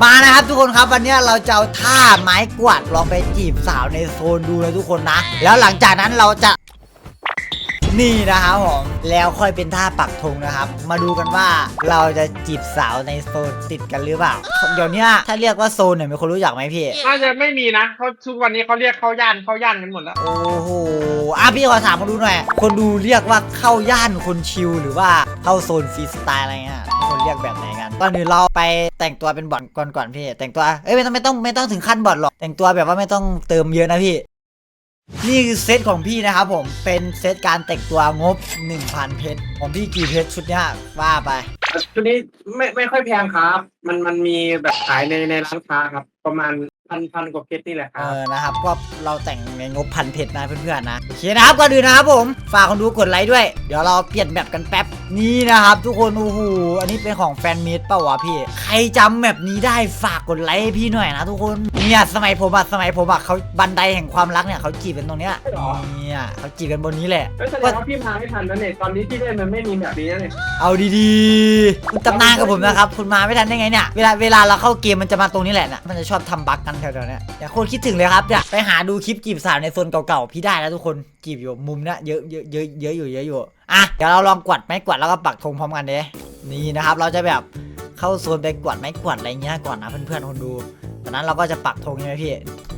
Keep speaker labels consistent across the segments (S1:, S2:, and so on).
S1: มานะครับทุกคนครับวันนี้เราจะเอาท่าไม้กวาดลองไปจีบสาวในโซนดูนะทุกคนนะแล้วหลังจากนั้นเราจะนี่นะครับผมแล้วค่อยเป็นท่าปักธงนะครับมาดูกันว่าเราจะจีบสาวในโซนติดกันหรือเปล่าเดี๋ยวนี้ถ้าเรียกว่าโซนเนี่ยมีคนรู้จักไหมพี่
S2: น่าจะไม่มีนะเขาทุกวันนี้เขาเรียกเข้าย่านกันหมดแล้ว
S1: โอ้โหพี่ขอถามมาดูหน่อยคนดูเรียกว่าเข้าย่านคนชิลหรือว่าเข้าโซนฟรีสไตล์อะไรเงี้ยคนเรียกแบบไหนกันตอนนี้เราไปแต่งตัวเป็นบอทก่อนพี่แต่งตัวไม่ต้องถึงขั้นบอทหรอกแต่งตัวแบบว่าไม่ต้องเติมเยอะนะพี่นี่คือเซตของพี่นะครับผมเป็นเซตการแต่งตัวงบ 1,000 เพชรของพี่กี่เพชรชุดเนี้ยว่าไป
S2: ชุดนี้ไม่ค่อยแพงครับมันมีแบบขายในร้านค้าครับประมาณพันกว่าเพชรนี่แหละครับ
S1: นะครับก็เราแต่งในงบ1,000 เพชรนะเพื่อนๆนะโอเคนะครับก็ดูนะครับผมฝากคนดูกดไลค์ด้วยเดี๋ยวเราเปลี่ยนแบบกันแป๊บนี่นะครับทุกคนโอ้โหอันนี้เป็นของแฟนมิตรเปล่าวะพี่ใครจำแบบนี้ได้ฝากกดไลค์ให้พี่หน่อยนะทุกคนเนี่ยสมัยผมอะเขาบันไดแห่งความรักเนี่ยเขาจีบกันตรงเนี้ยเนี่ยเขาจีบกันบนนี้แหละ
S2: แสดงว่าพี่มาไม่ทันนะเนี่ยตอนนี้ที่เล่นมันไม่มีแบบนี้เลย
S1: เอาดีๆคุณตำนานกับผมนะครับคุณมาไม่ทันได้ไงเนี่ยเวลาเราเข้าเกมมันจะมาตรงนี้แหละนะมันจะชอบทำบั๊กกันแถวๆนี้อย่าโคตรคิดถึงเลยครับเนี่ยไปหาดูคลิปจีบสาวในโซนเก่าๆพี่ได้แล้วทุกคนจีบอยู่มุมเนี้ยเยอะอยู่อ่ะเดี๋ยวเราลองกวาดไม้กวาดแล้วก็ปักธงพร้อมกันเด้นี่นะครับเราจะแบบเข้าโซนไปกวาดไม้กวาดอะไรเงี้ยก่อนนะเพื่อนๆคนดูจากนั้นเราก็จะปักธงใช่ไหมพี่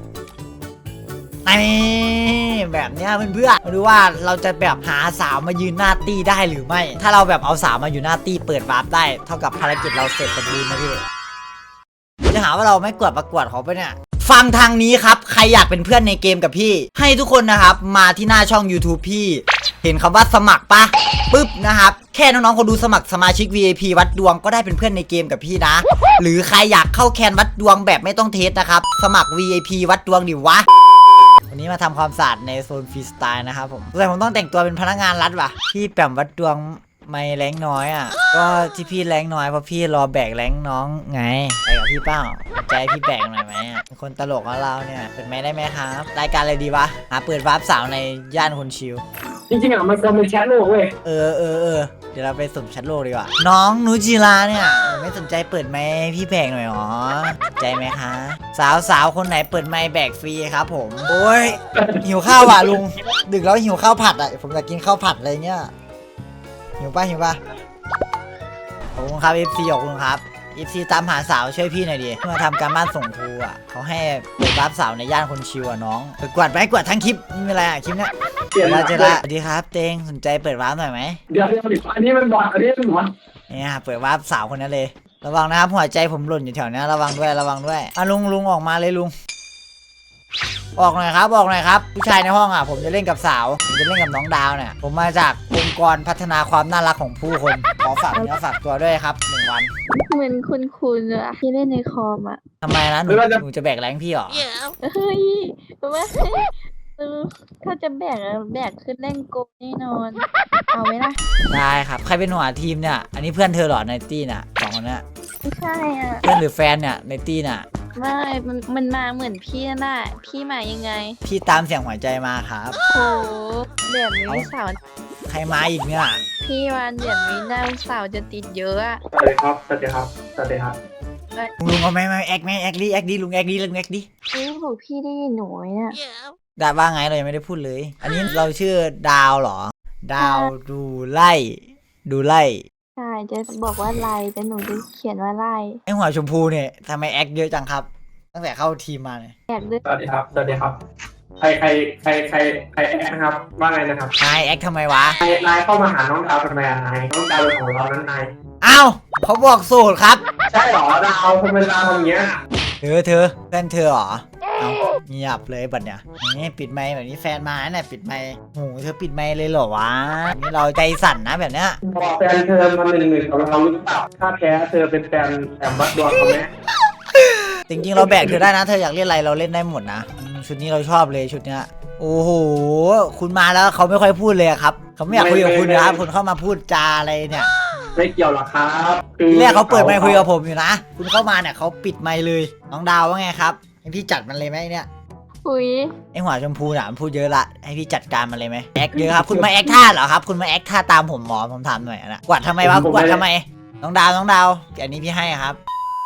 S1: นี่แบบเนี้ยเพื่อนๆมาดูว่าเราจะแบบหาสาวมายืนหน้าตี้ได้หรือไม่ถ้าเราแบบเอาสาวมาอยู่หน้าตี้เปิดวาร์ปได้เท่ากับภารกิจเราเสร็จสมบูรณ์นะพี่จะหาว่าเราไม่กวาดประกวดเขาไปเนี่ยฟังทางนี้ครับใครอยากเป็นเพื่อนในเกมกับพี่ให้ทุกคนนะครับมาที่หน้าช่อง YouTube พี่เห็นคำว่าสมัครปะปึ๊บนะครับแค่น้องๆคนดูสมัครสมาชิก VIP วัดดวงก็ได้เป็นเพื่อนในเกมกับพี่นะหรือใครอยากเข้าแคนวัดดวงแบบไม่ต้องเทสนะครับสมัคร VIP วัดดวงดิวะวันนี้มาทำความสะอาดในโซนฟรีสไตล์นะครับผมแต่ผมต้องแต่งตัวเป็นพนักงานรัฐว่ะพี่แปมวัดดวงไม่แรงน้อยอ่ะก็ที่พี่แรงน้อยเพราะพี่รอแบกแรงน้องไงไปกับพี่เป้าใจพี่แบกหน่อยไหมเป็นคนตลกของเราเนี่ยเป็นไม่ได้ไหมครับรายการอะไรดีวะหาเปิดวาร์ปสาวในย่านคนชิล
S2: จริงๆอ่ะมันเป็นแชทโลกเว้ย
S1: เดี๋ยวเราไปสุ่มแชทโลกดีกว่าน้องนูจิราเนี่ยไม่สนใจเปิดไมค์พี่แบกหน่อยหรอใจไหมคะสาวคนไหนเปิดไมค์แบกฟรีครับผมโอ้ยหิวข้าวว่ะลุงดึกแล้วหิวข้าวผัดอ่ะผมอยากกินข้าวผัดอะไรเงี้ยหิวป่ะขอบคุณครับ FC ขอบคุณครับ FC ตามหาสาวช่วยพี่หน่อยดิมาทำการบ้านส่งครูอ่ะเขาให้ไปรับสาวในย่านคนชิวอ่ะน้องไปกวาดไปกวาดทั้งคลิปไม่เป็นไรอ่ะคลิปเนี้ยเจอละสวัสดีครับเตงสนใจเปิดวาร์ปหน่อยไหม
S2: เดี๋ยวอันนี้มันบอด
S1: เนี่ยเปิดวาร์ปสาวคนนั้นเลยระวังนะครับหัวใจผมหล่นอยู่แถวนี้ระวังด้วยอ่ะลุงออกมาเลยลุงออกหน่อยครับผู้ชายในห้องอ่ะผมจะเล่นกับสาวผมจะเล่นกับน้องดาวเนี่ยผมมาจากองค์กรพัฒนาความน่ารักของผู้คนขอฝากเนื้อฝากตัวด้วยครับ1 วัน
S3: เหมือนคุณอะที่เล่นในคอมอะ
S1: ทำไมนะหนูจะแบกแรงพี่หรอ
S3: เฮ้ยว่าถ้าจะแบกขึ้นเล่นโกแน่นอนเอาไหมล่ะ
S1: ได้ครับใครเป็นหัวทีมเนี่ยอันนี้เพื่อนเธอหรอในตี้น่ะ2 คนเนี้ย
S3: ไม่ใช่อ่ะ
S1: เพื่อนหรือแฟนเนี่ยในตี้น่ะ
S3: ไม่มันมาเหมือนพี่น่ะพี่มายังไง
S1: พี่ตามเสียงหัวใจมาครับ
S3: โอ้แบบนี้สาว
S1: ใครมาอีกเนี่ย
S3: พี่วันแบบนี้น่าสาวจะติดเยอะอะ
S2: สวัสดีครับ
S1: ลุงเอาไม่แอคดิลุงแอคดิ
S3: บอกพี่ได้ยินหนูไหมเนี่ย
S1: ดาว่าไงเรายังไม่ได้พูดเลยอันนี้เราชื่อดาวเหรอดาวดูไล่
S3: ใช่จะบอกว่าไล่แต่หนูจะเขียนว่าไล่
S1: ไอหัวชมพูเนี่ยทำไมแอคเยอะจังครับตั้งแต่เข้าทีมมาเนี่ย
S3: แอคด้วย
S2: สวัสดีครับใครแอคนะครับว่าไงนะครับ
S1: นายแอคทำไมวะ
S2: นายเข้ามาหาน้องดาวทำไมนายน้องดาวเป็นของเรานั้นนาย
S1: อ้าวเขาบอกโสดครับ
S2: ใช่หรอดาวทำไมดาวอย่างเงี้ย
S1: เธอเพื่อนเธอหรอเอาเงียบเลยบัดเนี่ยนี่ปิดไมค์แบบนี้แฟนมาเนี่ยปิดไมค์โหเธอปิดไมค์เลยเหรอวะนี่เราใจสั่นนะแบบเนี้ย
S2: บอกแฟนเธอมา1-1กับเราหรือเปล่าถ้าแพ้เธอเป็นแฟนแอมบัสดวงเขาไหม
S1: จริงๆเราแบกเธอได้นะเธออยากเล่นอะไรเราเล่นได้หมดนะชุดนี้เราชอบเลยชุดเนี้ยโอ้โหคุณมาแล้วเขาไม่ค่อยพูดเลยครับเขาไม่อยากคุยกับคุณนะครับคุณเข้ามาพูดจาอะไรเนี่ย
S2: ไม่เกี่ยวหรอกครับ
S1: แรกเขาเปิดไมค์คุยกับผมอยู่นะคุณเข้ามาเนี่ยเขาปิดไมค์เลยน้องดาวว่าไงครับให้พี่จัดมันเลยไหมเนี่ย
S3: คุย
S1: ไอหัวชมพูน่ะมันพูดเยอะละให้พี่จัดการมันเลยไหมแอคเยอะครับคุณมาแอคท่าเหรอครับคุณมาแอคท่าตามผมหมอผมถามหน่อยนะกวาดทำไมวะกวาดทำไมน้องดาวอันนี้พี่ให้ครับ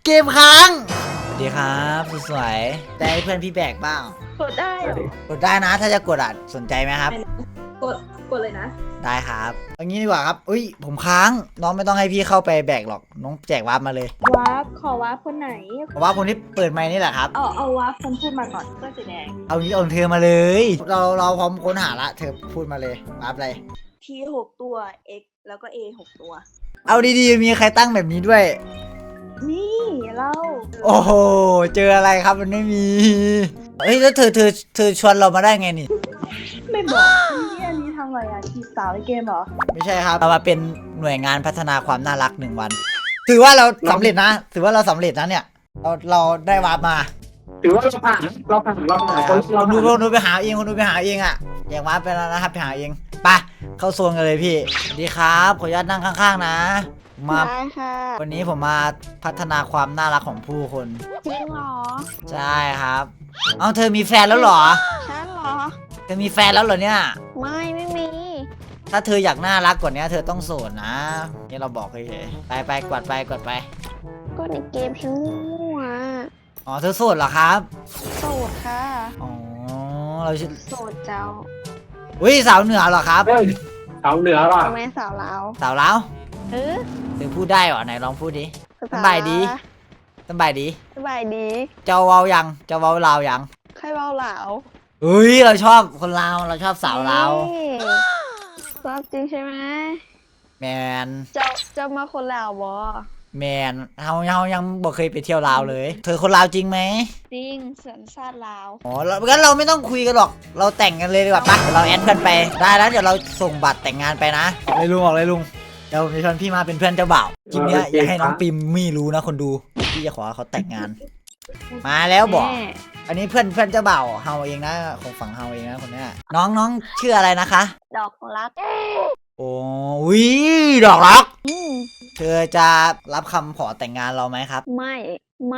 S1: เกมค้างสวัสดีครับสวยๆได้เพื่อนพี่แบกบ้าง
S3: กดได้เหรอก
S1: ดได้นะถ้าจะกดอ่ะสนใจไหมครับ
S3: กดเลยนะ
S1: ได้ครับเอางี้ดีกว่าครับอุ้ยผมค้างน้องไม่ต้องให้พี่เข้าไปแบกหรอกน้องแจกวาร์ปมาเลย
S3: วาร์ปขอวาร์ปคนไหน
S1: เพราะว่าคนที่เปิดไมค์นี่แหละครับ
S3: เอาวาร์ปคนพูดมาก่อนเสื้อสีแดง
S1: เอางี้เอาเธอมาเลยเราพร้อมค้นหาละเธอพูดมาเลยวาร์ปอะไร
S3: T 6ตัว X แล้วก็ A 6ตัว
S1: เอาดีๆมีใครตั้งแบบนี้ด้วย
S3: นี่เรา
S1: โอ้โหเจออะไรครับมันไม่มีเฮ้ยแล้วเธอชวนเรามาได้ไงนี่
S3: ไม่บอกนี่อันนี้ทำอะไรอ่ะจีบสาวในเกมเหรอ
S1: ไม่ใช่ครับเรามาเป็นหน่วยงานพัฒนาความน่ารัก1 วัน ถือว่าเราสำเร็จนะถือว่าเราสำเร็จนะเนี่ยเราได้วาร์ปมา
S2: ถือว่าเราผ่านคนเรา
S1: คน
S2: ผ่าน
S1: ดูไปหาเองคนดูไปหาเองอ่ะแยกวาร์ปไปแล้วนะครับไปหาเองไปเข้าโซนกันเลยพี่สวัสดีครับขออนุญาตนั่งข้างๆนะมา
S3: ได้ค่ะ
S1: วันนี้ผมมาพัฒนาความน่ารักของผู้คน
S3: จริงเหรอ
S1: ใช่ครับเอาเธอมีแฟนแล้วเหรอ
S3: ฉันเหรอ
S1: เธอมีแฟนแล้วเหรอเนี่ย
S3: ไม่มี
S1: ถ้าเธออยากน่ารักกว่านี้เธอต้องโสดนะนี่เราบอกเฉยๆไปกวาดไป
S3: ก็ในเกมฉันมั่ว
S1: อ๋อเธอโสดเหรอครับ
S3: โสดค่ะ
S1: อ๋อเราชื่อ
S3: โสดเจ้า
S1: อุ้ยสาวเหนือเหรอครับ
S2: เฮ้ยสาวเหนือว่ะ
S3: ทำไมสาวลาว
S1: สาวลาว
S3: เออ
S1: เธอพูดได้เหรอไหนลองพูดดิสบายดีสบายดี
S3: สบายดี
S1: เจ้าเว้ายังเจ้าเว้าลาวยัง
S3: ใครเบาเหลา
S1: เฮ้ยเราชอบคนลาวเราชอบสาวลาว
S3: นี่ชอบจริงใช่ไหม
S1: แมน
S3: เจ้ามาคนลาวบอ
S1: แมนเรายังบ่เคยไปเที่ยวลาวเลย เธอคนลาวจริงไหม
S3: จริงสัญชาติลาว
S1: อ๋องั้นเราไม่ต้องคุยกันหรอก เราแต่งกันเลยดีกว่าปะเดี๋ยวเราแอดเพื่อนไป ได้แล้วเดี๋ยวเราส่งบัตรแต่งงานไปนะเลยลุงบอกเลยลุง เดี๋ยวผมจะชวนพี่มาเป็นเพื่อนเจ้าบ่าวคลิปเนี้ยอย่าให้น้องปิมมี่รู้นะคนดู พี่จะขอให้เขาแต่งงาน มาแล้วบอก
S3: แม่
S1: อันนี้เพื่อนเจ้าบ่าวเฮาเองนะของฝั่งเฮาเองนะคนเนี้ยน้องชื่ออะไรนะคะ
S3: ดอกรัก
S1: โอ้ยดอกรัก
S3: อืม
S1: เธอจะรับคำขอแต่งงานเราไหมครับ
S3: ไม่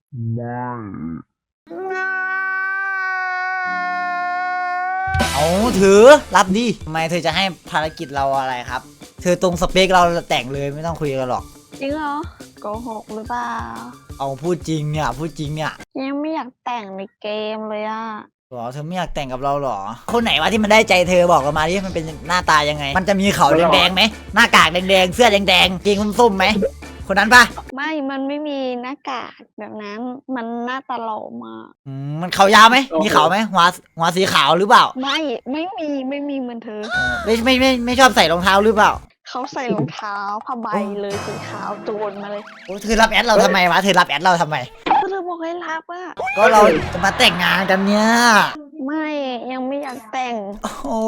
S1: เอาถือรับดิทำไมเธอจะให้ภารกิจเราอะไรครับ เธอตรงสเปคเราแต่งเลยไม่ต้องคุยกันหรอก
S3: จริงเหรอโกหกหรือเปล่า
S1: เอาพูดจริงเนี่ยพูดจริงเนี่ย
S3: ยังไม่อยากแต่งในเกมเลยอ่ะ
S1: หรอเธอไม่อยากแต่งกับเราหรอ คนไหนวะที่มันได้ใจเธอบอกกันมาดิมันเป็นหน้าตายังไง มันจะมีเขาแดงๆไหมหน้ากากแดงๆเสื้อแดงๆเกงส้มๆไหมคนนั้นปะ
S3: มันไม่มีหน้ากากแบบนั้น มันหน้าตาหล่อมาก
S1: มันเขายาวไหมมีเขาไหมหัวสีขาวหรือเปล่า
S3: ไม่มีเหมือนเธอ
S1: ไม่ชอบใส่รองเท้าหรือเปล่า
S3: เขาใส่รองเท้าผ้าใบเลยสีขาวโจรมาเลย
S1: โอ้เธอรับแอดเราทำไมวะเธอรับแอดเราทำไม
S3: ก็เลยบอกให้รับอ่ะ
S1: ก็เราจะมาแต่งงานกันเนี่ย
S3: ไม่ยังไม่อยากแต่ง
S1: โอ้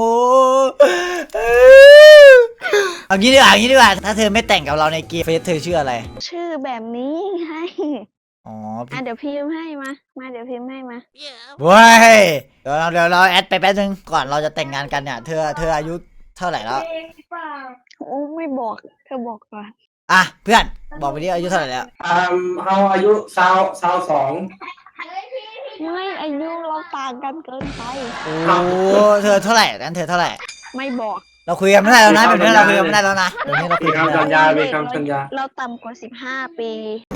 S1: เอางี้ดีกว่าถ้าเธอไม่แต่งกับเราในเกมเฟซเธอชื่ออะไร
S3: ชื่อแบบนี้ให้
S1: อ๋อ
S3: เดี๋ยวพิมพ์ให้มาเดี๋ยวพิมพ์ให้มา
S1: เว้ยเดี๋ยวเราแอดไปแป๊บนึงก่อนเราจะแต่งงานกันเนี่ย เธออายุเท่าไหร่แล้ว
S3: โอ้ไม่บอกเธอบอกก่อน
S1: อ่ะเพื่อนบอกไปดิอายุเท่าไหร่แล้ว
S2: เราอายุสาวสอง
S3: ไม่อายุเราต่างกันเกินไป
S1: โอ้เธอเท่าไหร่นั้นเธอเท่าไหร่
S3: ไม่บอก
S1: เราคุยกันไม่ได้แล้วนะแบบนี้เราคุยกันไม่ได้แล้วนะเดี๋ยวนี้เราคุ
S2: มี
S1: ยกันไม่
S2: คำสั
S1: ได้
S2: ญญามีคำสัญญา
S3: เราต่ำกว่า15 ปี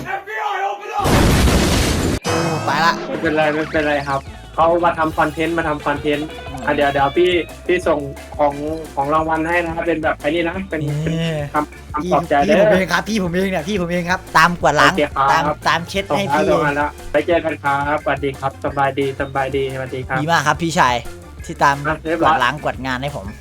S1: โอ้ไปละ
S2: ไม่เป็นไรครับเขามาทำคอนเทนต์เดี๋ยวพี่ส่งของรางวัลให้นะครับเป็นแบบไอ้นี่นะเป็น
S1: นี่
S2: คำปลอบใจเด้
S1: พี่ผม
S2: อ
S1: เองครับพี่ผมเองเนี่ยพี่ผมเองครับ ตามกวาดล้าง
S2: โอเคครับ
S1: ตามเช็ด
S2: ส่ง
S1: ให้
S2: ท้าย
S1: พี่
S2: รางวัลแล้วไปเจอกันครับสวัสดีครับสบายดีสวัสดีครับ
S1: ดีมากครับพี่ชายที่ตาม
S2: อ่ะเรียบ
S1: ก
S2: ร้
S1: วา
S2: อย
S1: ดล้างกวาดงานให้ผม